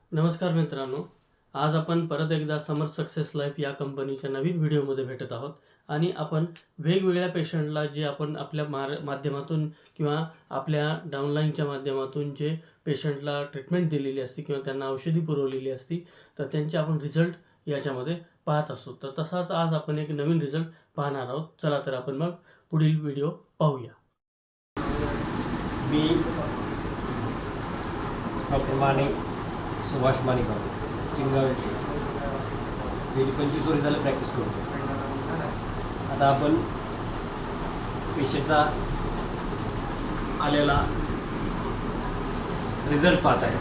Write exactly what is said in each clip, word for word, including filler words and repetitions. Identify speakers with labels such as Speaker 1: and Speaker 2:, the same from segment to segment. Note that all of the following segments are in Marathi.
Speaker 1: नमस्कार मित्रांनो, आज आपण परत एकदा समर्थ सक्सेस लाईफ या कंपनीच्या नवीन व्हिडिओमध्ये भेटत आहोत आणि आपण वेगवेगळ्या पेशंटला जे आपण आपल्या मार माध्यमातून किंवा आपल्या डाउनलाईनच्या माध्यमातून जे पेशंटला ट्रीटमेंट दिलेली असते किंवा त्यांना औषधी पुरवलेली असती तर त्यांचे आपण रिझल्ट याच्यामध्ये पाहत असतो. तर तसाच आज आपण एक नवीन रिझल्ट पाहणार आहोत. चला तर आपण मग पुढील व्हिडिओ पाहूया.
Speaker 2: मी डॉक्टर माने सुभाष मानेगाव चिंगाव येथे गेली पंचवीस वर्ष झालं प्रॅक्टिस करतो. आता आपण पेशंटचा आलेला रिझल्ट पाहत आहे.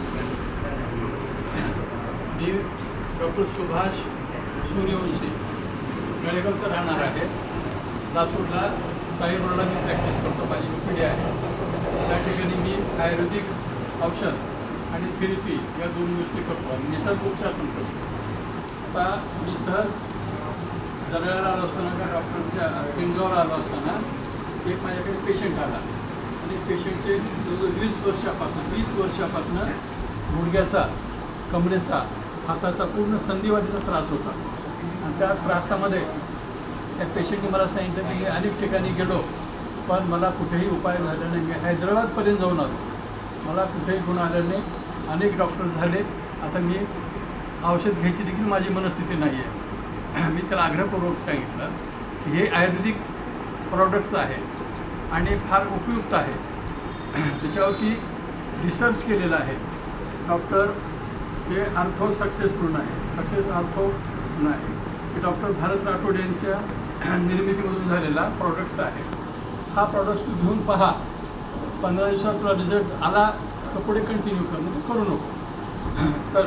Speaker 3: मी डॉक्टर सुभाष सूर्यवंशी गळेगावचा राहणार आहे. लातूरला साईरोडला मी प्रॅक्टिस करतो. माझी पिढी आहे. त्या ठिकाणी मी आयुर्वेदिक औषध आणि थेरपी या दोन गोष्टी करतो आणि निसर्ग उपचार पण करतो. आता मी सहज जळगावला आलो असताना का डॉक्टरच्या पिंजॉरला आलो असताना एक माझ्याकडे पेशंट आला आणि पेशंटचे जवळजवळ वीस वर्षापासून वीस वर्षापासून गुडघ्याचा, कमरेचा, हाताचा पूर्ण संधिवातीचा त्रास होता. आणि त्या त्रासामध्ये त्या पेशंटने मला सांगितलं की मी अनेक ठिकाणी गेलो पण मला कुठेही उपाय झाला नाही. मी हैदराबादपर्यंत जाऊन आलो, मला कुठेही गुण आलं नाही. अनेक डॉक्टर झाले. आता मी औषध घ्यायची देखील माझी मनस्थिती नाही आहे. मी त्याला आग्रहपूर्वक सांगितलं की हे आयुर्वेदिक प्रॉडक्ट्स आहे आणि फार उपयुक्त आहे. त्याच्यावरती रिसर्च केलेला आहे. डॉक्टर हे आर्थो सक्सेस म्हणून आहे, सक्सेस आर्थो म्हणून आहे. हे डॉक्टर भारत राठोड यांच्या निर्मितीमधून झालेला प्रॉडक्ट्स आहे. हा प्रॉडक्ट्स तू घेऊन पहा. पंधरा दिवसात तुला रिझल्ट आला तर पुढे कंटिन्यू कर, म्हणजे करू नको. तर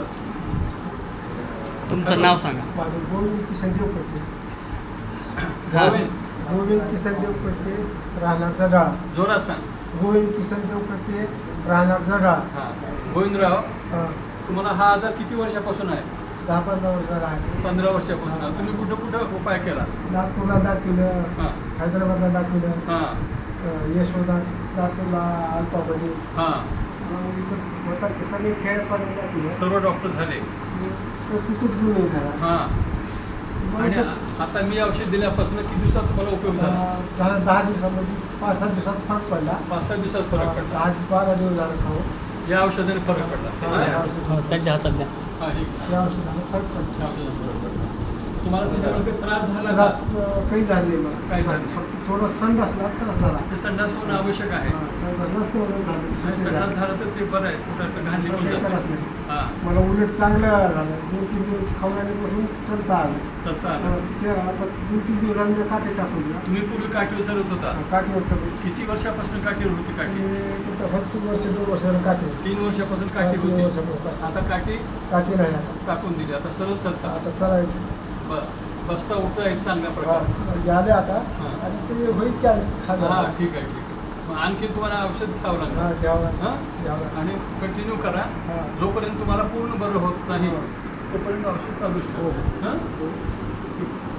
Speaker 1: तुमचं नाव सांगा.
Speaker 4: माझं गोविंद किसनदेव पट्टे.
Speaker 3: गोविंद
Speaker 4: गोविंद किसनदेव पट्टे, राहणार जडाळ.
Speaker 3: जोरात सांग.
Speaker 4: गोविंद किसनदेव पट्टे, राहणार जडाळ.
Speaker 3: हां गोविंदराव,
Speaker 4: हां,
Speaker 3: तुम्हाला हा आजार किती वर्षापासून आहे?
Speaker 4: दहा पंधरा वर्षाला आहे.
Speaker 3: पंधरा वर्षापासून आहे. तुम्ही कुठं कुठं उपाय केला?
Speaker 4: लातूरला दाखवलं,
Speaker 3: हां
Speaker 4: हैदराबादला दाखवलं,
Speaker 3: हां
Speaker 4: अं, यशोदा, लातूरला अल्पाबली,
Speaker 3: हां
Speaker 4: मग इथं होता ते सगळे खेळपाड्यात दाखवलं.
Speaker 3: सर्व डॉक्टर झाले.
Speaker 4: तर तिथून घेऊन येईल घरा.
Speaker 3: हां आणि आता मी औषध दिल्यापासून किती दिवसात तुम्हाला उपयोग झाला?
Speaker 4: दहा दहा दिवसामध्ये पाच सहा दिवसात फरक पडला.
Speaker 3: पाच सहा दिवसात फरक पडला.
Speaker 4: दहा बारा दिवस झालं खाऊ.
Speaker 3: या औषधाने फरक पडला.
Speaker 4: या औषधाने-
Speaker 1: त्यांच्या हातात द्या.
Speaker 3: हां ठीक आहे.
Speaker 4: या औषधाने फरक पडला.
Speaker 3: या औषधाने फरक पडला. तुम्हाला त्याच्यामध्ये त्रास झाला का?
Speaker 4: त्रास अं, काही झाले नाही मला.
Speaker 3: काही झालं नाही.
Speaker 4: फक्त थोडं संडास असला त्रास झाला.
Speaker 3: ते संडास होणं आवश्यक आहे.
Speaker 4: हा, संडास नसतं म्हणून झालं.
Speaker 3: आणि संडास झालं तर ते बरं आहे. कुठं घाण निघून
Speaker 4: काही त्रास
Speaker 3: जाते.
Speaker 4: नाही.
Speaker 3: हां
Speaker 4: मला उलट चांगलं झालं. दोन तीन दिवस खाऊन आल्यापासून चलता आलं.
Speaker 3: चलता आलं.
Speaker 4: अं, ते आता दोन तीन दिवसांनी मी काटे टाकून दिला.
Speaker 3: तुम्ही पूर्वी काठीवर चालत होता.
Speaker 4: काठीवर चलून
Speaker 3: किती वर्षापासून काठीवर होती काठी?
Speaker 4: फक्त वर्ष दोन वर्षाला काठी होती.
Speaker 3: तीन वर्षापासून काठी
Speaker 4: तीन
Speaker 3: होती.
Speaker 4: वर्षापासून काठी.
Speaker 3: आता काठी
Speaker 4: काठी नाही आता.
Speaker 3: टाकून दिली. आता सरळ सरता.
Speaker 4: आता चलायचं.
Speaker 3: ब- बसता उठता येत चांगल्या प्रकारे.
Speaker 4: आले आता
Speaker 3: हा.
Speaker 4: आणि ते होईल की खाल्लं.
Speaker 3: हां ठीक आहे ठीक आहे. मग आणखी तुम्हाला औषध घ्यावं
Speaker 4: हा
Speaker 3: लागणार.
Speaker 4: घ्यावं
Speaker 3: हां
Speaker 4: घ्यावं.
Speaker 3: आणि कंटिन्यू करा.
Speaker 4: हा.
Speaker 3: जोपर्यंत तुम्हाला पूर्ण बरं होत नाही
Speaker 4: हा.
Speaker 3: तोपर्यंत औषध चालूच
Speaker 4: हो.
Speaker 3: ठेवा. हां